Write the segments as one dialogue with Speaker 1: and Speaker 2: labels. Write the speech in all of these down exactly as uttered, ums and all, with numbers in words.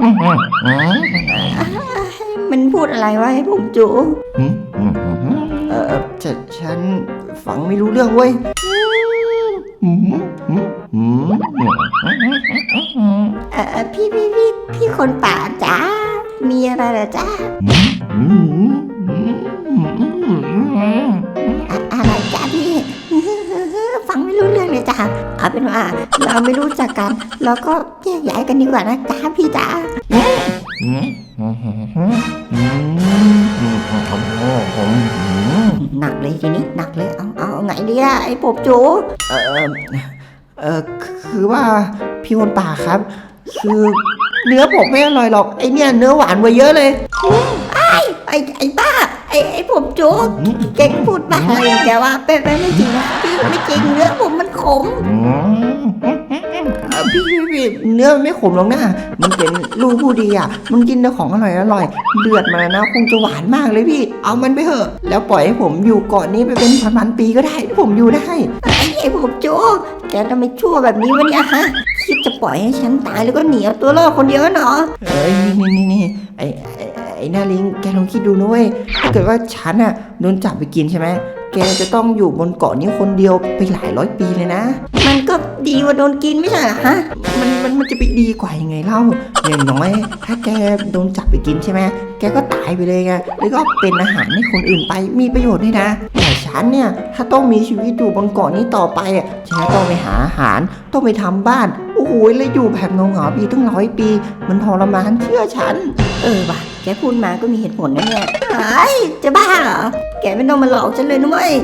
Speaker 1: มันพูดอะไรวะให้ผมจู
Speaker 2: เออฉันฉันฟังไม่รู้เรื่องเว้ย
Speaker 1: เออพี่พี่พี่พี่คนป่าจ้ามีอะไรเหรอจ้าอะไรจ้าพี่ฟังไม่รู้เรื่องเลยจ้าเอาเป็นว่าเราไม่รู้จักกันเราก็แยกย้ายกันดีกว่านะจ้าพี่จ้าหนักเลยทีนี้หนักเลยเอาเอาไงดีอะไอ้ปบจู
Speaker 2: เออเออคือว่าพี่คนป่าครับคือเนื้อผมไม่อร่อยหรอกไอเนี่ยเนื้อหวานกว่าเยอะเลย
Speaker 1: ไอ้ไอ้ไอ้บ้าไอ้ไอ้ผมจูเก่งพูดบ้าอะไรแกว่าเป็นไปไม่จริงนะพี่ไม่จริงเนื้อผมมันขม
Speaker 2: พี่พี่พี่เนื้อมันไม่ขมหรอกนะมันเป็นลูกผู้ดีอ่ะมันกินแต่ของอร่อยอร่อยเลือดมันนะคงจะหวานมากเลยพี่เอามันไปเถอะแล้วปล่อยให้ผมอยู่เกาะนี้ไปเป็นพันๆปีก็ได้ผมอยู่ได้
Speaker 1: ไอ้ไอ้ผมจูแกทำไมชั่วแบบนี้วะเนี่ยฮะคิดจะปล่อยให้ฉันตายแล้วก็หนีเอาตัวรอดคนเดียวเหรอ
Speaker 2: เอ้ยนี่นี่นี่ไอ้ไอ้นาลิงแกลองคิดดูนะเว้ยถ้าเกิดว่าฉันอ่ะโดนจับไปกินใช่ไหมแกจะต้องอยู่บนเกาะนี้คนเดียวไปหลายร้อยปีเลยนะ
Speaker 1: มันก็ดีกว่าโดนกินไม่ใช่เหรอฮะ
Speaker 2: มันมันมันจะไปดีกว่ายังไงเล่าอย่างน้อยถ้าแกโดนจับไปกินใช่ไหมแกก็ตายไปเลยไงแล้วก็เป็นอาหารให้คนอื่นไปมีประโยชน์ด้วยนะแต่ฉันเนี่ยถ้าต้องมีชีวิตอยู่บนเกาะนี้ต่อไปอ่ะฉันต้องไปหาอาหารต้องไปทำบ้านโอ้โหแล้วอยู่แบบเงาเงาปีตั้งร้อยปีมันทรมานเชื่อฉัน
Speaker 1: เออว่ะแกพูดมาก็มีเหตุผลนะเนี่ยไอ้จะบ้าเหรอแกไม่ต้องมาหลอกฉันเลยนะเว้ย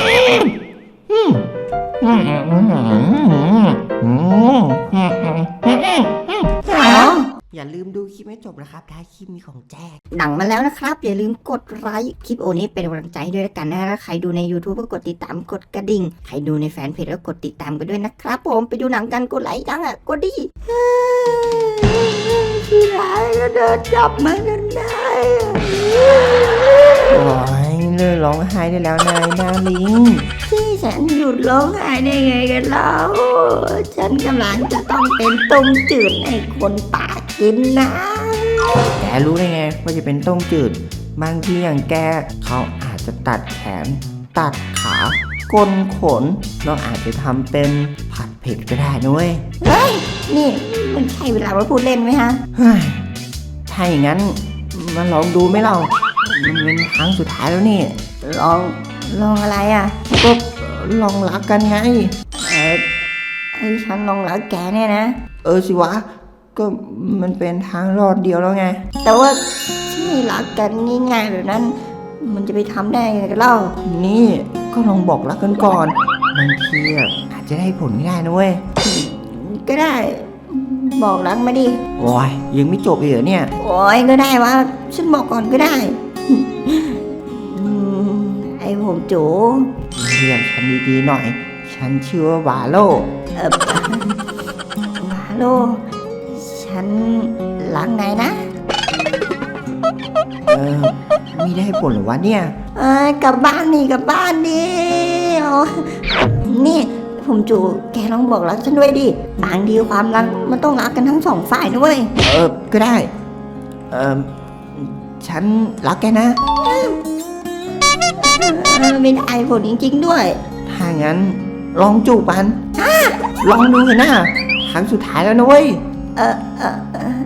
Speaker 2: อย่าลืมดูคลิปให้จบนะครับท้ายคลิปมีของแจก
Speaker 1: หนังมาแล้วนะครับอย่าลืมกดไลค์คลิปโอนี้เป็นกำลังใจด้วยกันนะใครดูใน YouTube ก็กดติดตามกดกระดิ่งใครดูในแฟนเพจก็กดติดตามกันด้วยนะครับผมไปดูหนังกันกดไลค์จังอ่ะกดดิพี่ร้ายก็เดินจับมันกันได้
Speaker 2: โอ้ยเลิกร้องไห้ได้แล้วนายนาลิง
Speaker 1: ที่ฉันหยุดร้องไห้ได้ไงกันแล้วฉันกำลังจะต้องเป็นต้มจืดให้คนป่ากินนะ
Speaker 2: แกรู้ได้ไงว่าจะเป็นต้มจืดบางทีอย่างแกเขาอาจจะตัดแขนตัดขาก้นขนเราอาจจะทำเป็นผัดเผ็ดก็ได้นุ้ย
Speaker 1: เฮ้ยนี่มันใช่เวลามาพูดเล่นไหมฮะ
Speaker 2: เฮ้ยถ้าอย่างนั้นมาลองดูไหมเรามันเป็นครั้งสุดท้ายแล้วนี่
Speaker 1: ลองลองอะไรอ่ะ
Speaker 2: ก็ลองรักกันไง
Speaker 1: เออไอ้ฉันลองรักแกเนี่ยนะ
Speaker 2: เออสิวะก็มันเป็นทางรอดเดียวแล้วไง
Speaker 1: แต่ว่าที่รักกันง่ายๆแบบนั้นมันจะไปทำได้ไงกันเล่า
Speaker 2: นี่ก็ลองบอกรักกันก่อนบางทีอาจจะได้ผลไม่ได้นะเว้ย
Speaker 1: ก็ได้บอกรักมาดิ
Speaker 2: โอ้ยยังไม่จบเลยเหรอเนี่ย
Speaker 1: โอ้ยก็ได้วะฉันบอกก่อนก็ได้ไอ้ผมจู
Speaker 2: เรียกฉันดีๆหน่อยฉันชื่อว่าวาโล
Speaker 1: เออวาโลฉันรักไงนะ
Speaker 2: เออไม่ได้ผลหรอวะเนี่ย
Speaker 1: เออกลับบ้านนี่กลับบ้านดินี่ผมจูแกลองบอกรักฉันด้วยดิบางทีความรักมันต้องรักกันทั้งสองฝ่ายด้วย
Speaker 2: เออก็ได้เออฉันรักแกนะ
Speaker 1: ไม่ได้ผลจริงๆด้วย
Speaker 2: ถ้างั้นลองจูบกันลองดูเถอะนะครั้งสุดท้ายแล้วนะเว้ย
Speaker 1: เออเออเออ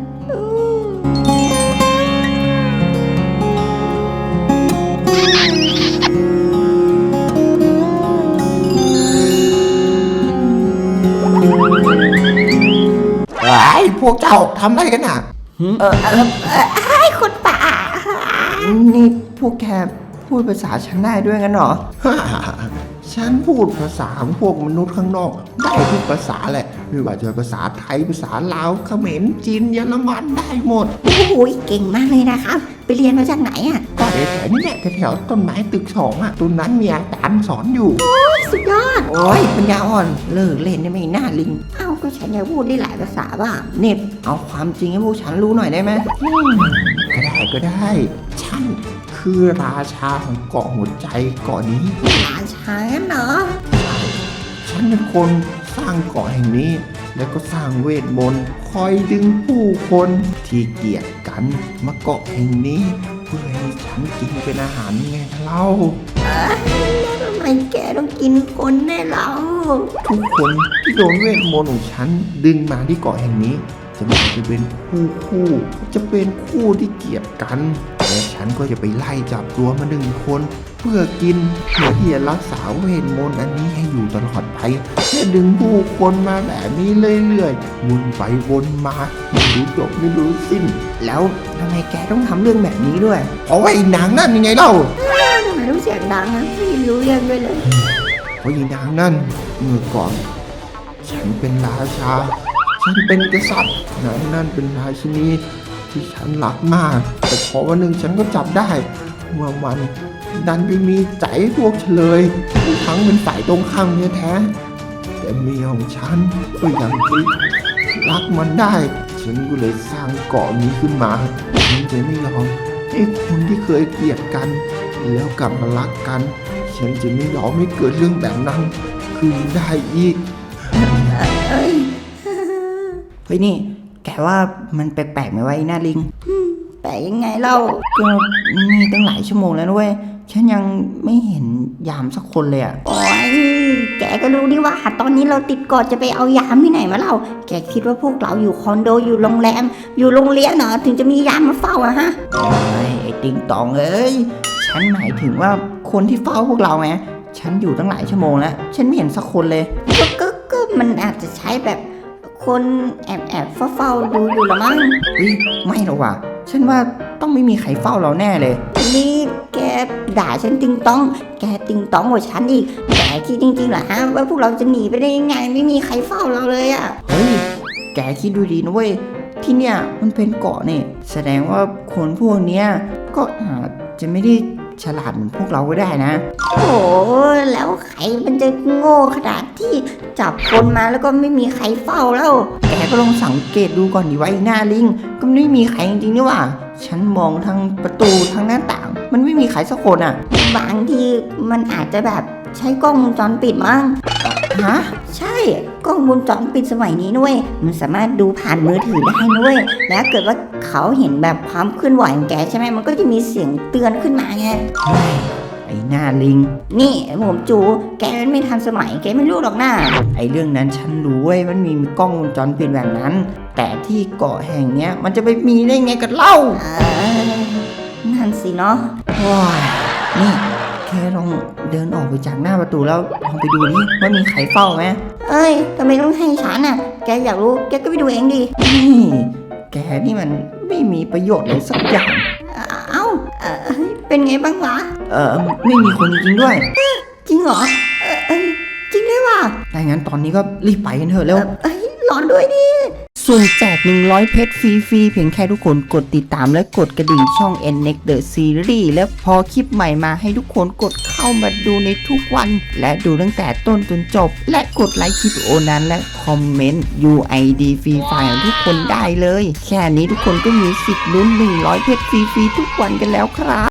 Speaker 2: ไอ้พวกเจ้าทำอะไรกันอ่ะ
Speaker 1: เออเออไอ้คนป่า
Speaker 2: นี่พวกแกพูดภาษาฉันได้ด้วยงั้นเหรอฉันพูดภาษาพวกมนุษย์ข้างนอกได้ทุกภาษาแหละไม่ว่าจะภาษาไทยภาษาลาวเขมรจีนเยอรมันได้หมด
Speaker 1: โอ้โหเก่งมากเลยนะครับไปเรียนมาจากไหนอ่ะ
Speaker 2: ก็แถวนี้แหละแถวต้นไม้ตึกสองอ่ะต้นนั้นมีอาจารย์สอนอยู่
Speaker 1: โอ้ยสุดยอด
Speaker 2: โอ้ยปัญญาอ่อนเลิกเล่นได้ไม่น่าลิง
Speaker 1: เอ้าก็ฉันยังพูดได้หลายภาษาบ้าง
Speaker 2: เน็บเอาความจริงให้พวกฉันรู้หน่อยได้ไหมก็ได้ก็ได้ฉันคือราชาของเกาะหัวใจเกาะนี้
Speaker 1: ราชาเหรอ
Speaker 2: ฉันเป็นคนสร้างเกาะแห่งนี้แล้วก็สร้างเวทมนต์คอยดึงผู้คนที่เกลียดกันมาเกาะแห่งนี้เพื่อให้ฉันกินเป็นอาหารไงเล่า
Speaker 1: แล้วทำไมแกต้องกินคนแน่เรา
Speaker 2: ทุกคนที่โดนเวทมนต์ของฉันดึงมาที่เกาะแห่งนี้ จะไม่ว่าจะเป็นคู่คู่จะเป็นคู่ที่เกลียดกันและฉันก็จะไปไล่จับตัวมาหนึ่งคนเพื่อกินเพื่อที่จะรักษาเวทมนต์อันนี้ให้อยู่ตลอดไปและดึงผู้คนมาแบบนี้เรื่อยๆวนไปวนมาไม่รู้จบไม่รู้สิ้น
Speaker 3: แล้วทำไมแกต้องทำเรื่องแบบนี้ด้วย
Speaker 2: เพราะว่าไอ้นางนั่นยังไงเล่า
Speaker 1: ทำไมต้องเสียงดังอ่ะไม่รู้เรื่องด้วยเลย
Speaker 2: เพราะไอ้นางนั่นเมื่อก่อน ฉันเป็นราชา ฉันเป็นกษัตริย์นางนั่นเป็นราชินีที่ฉันรักมาก แต่พอวันหนึ่งฉันก็จับได้เมื่อมันดันไปมีใจพวกเฉลยทั้งเป็นฝ่ายตรงข้ามแท้ๆแต่เมียของฉันก็ยังไปรักมันได้ ฉันก็เลยสร้างเกาะนี้ขึ้นมาฉันจะไม่ยอมให้คนที่เคยเกลียดกัน แล้วกลับมารักกัน ฉันจะไม่ยอมให้เกิดเรื่องแบบนั้นขึ้นได้อีก
Speaker 1: เอ้ย
Speaker 3: เฮ้ยนี่ แกว่ามันแปลกๆไหมวะไอ้หน้าลิง
Speaker 1: แปลยังไงเล่า
Speaker 3: ก็นี่ตั้งหลายชั่วโมงแล้วนะเว้ย ฉันยังไม่เห็นยามสักคนเลยอะ
Speaker 1: โอ้ยแกก็รู้ดิว่าตอนนี้เราติดเกาะจะไปเอายามที่ไหนมาเล่า แกคิดว่าพวกเราอยู่คอนโดอยู่โรงแรม อยู่โรงเรียนเหรอถึงจะมียามมาเฝ้าอะฮะ
Speaker 3: โอ้ยไอ้ติงตองเอ้ย ฉันหมายถึงว่าคนที่เฝ้าพวกเราไง ฉันอยู่ตั้งหลายชั่วโมงแล้ว ฉันไม่เห็นสักคนเลย
Speaker 1: ก็ก็ก็มันอาจจะใช้แบบคนแอบแอบเฝ้าเฝ้าๆดูอยู่ละมั้ง
Speaker 3: เฮ้ยไม่หรอกว่ะ ฉันว่าต้องไม่มีใครเฝ้าเราแน่เลย
Speaker 1: นี่แกด่าฉันติงต้อง แกติงต้องกว่าฉันอีกแกคิดจริงๆเหรอฮะว่าพวกเราจะหนีไปได้ยังไงไม่มีใครเฝ้าเราเลยอะ
Speaker 3: เฮ้ย แกคิดดูดีนะเว้ย ที่เนี่ยมันเป็นเกาะนี่ แสดงว่าคนพวกเนี้ยก็อาจจะไม่ได้ฉลาดเหมือนพวกเราก็ได้นะ
Speaker 1: โอ้แล้วใครมันจะโง่ขนาดที่จับคนมาแล้วก็ไม่มีใครเฝ้าแล้ว
Speaker 3: แกก็ลองสังเกตดูก่อนดิว่าไอ้หน้าลิง ก็ไม่มีใครจริงๆนี่หว่า ฉันมองทางประตูทางหน้าต่าง มันไม่มีใครสักคนอ่ะ
Speaker 1: บางทีมันอาจจะแบบใช้กล้องวงจรปิดมั้ง
Speaker 3: ฮะ
Speaker 1: ใช่กล้องวงจรปิดสมัยนี้นุ้ยมันสามารถดูผ่านมือถือได้นุ้ยแล้วเกิดว่าเขาเห็นแบบความเคลื่อนไหวของแกใช่ไหมมันก็จะมีเสียงเตือนขึ้นมาไง
Speaker 3: เฮ้ยไอ้หน้าลิง
Speaker 1: นี่ผมจูแกไม่ทันสมัยแกไม่รู้หรอกนะ
Speaker 3: ไอ้เรื่องนั้นฉันรู้เว้ย มันมีกล้องวงจรปิดแบบนั้น แต่ที่เกาะแห่งเนี้ย มันจะไปมีได้ไงกันเล่า
Speaker 1: เออนั่นสิเนาะ
Speaker 3: ว้ายนี่แค่ลองเดินออกไปจากหน้าประตูแล้วลองไปดูนี่ว่ามีใครเฝ้าไหม
Speaker 1: เอ้ยทำไมต้องให้ฉันน่ะแกอยากรู้แกก็ไปดูเองดิ
Speaker 3: นี่แกนี่มันไม่มีประโยชน์เลยสักอย่าง
Speaker 1: เอ้าเอ่อเป็นไงบ้างวะ
Speaker 3: เออไม่มีคนจริงๆด้วย
Speaker 1: จริงเหรอเอ่อเอ้ยจริงด้วยว่ะ
Speaker 3: ถ้างั้นตอนนี้ก็รีบไปกันเถอะเร็ว
Speaker 1: เอ้ยรอด้วยดิ
Speaker 3: ส่วนแจกหนึ่งร้อยเพชรฟรีๆเพียงแค่ทุกคนกดติดตามและกดกระดิ่งช่อง เอ็น เน็ก The Series และพอคลิปใหม่มาให้ทุกคนกดเข้ามาดูในทุกวัน และดูตั้งแต่ต้นจนจบ และกดไลค์คลิปวิดีโอนั้นและคอมเมนต์ ยู ไอ ดี ฟรีไฟล์ของทุกคนได้เลย แค่นี้ทุกคนก็มีสิทธิ์ลุ้นหนึ่งร้อยเพชรฟรีๆทุกวันกันแล้วครับ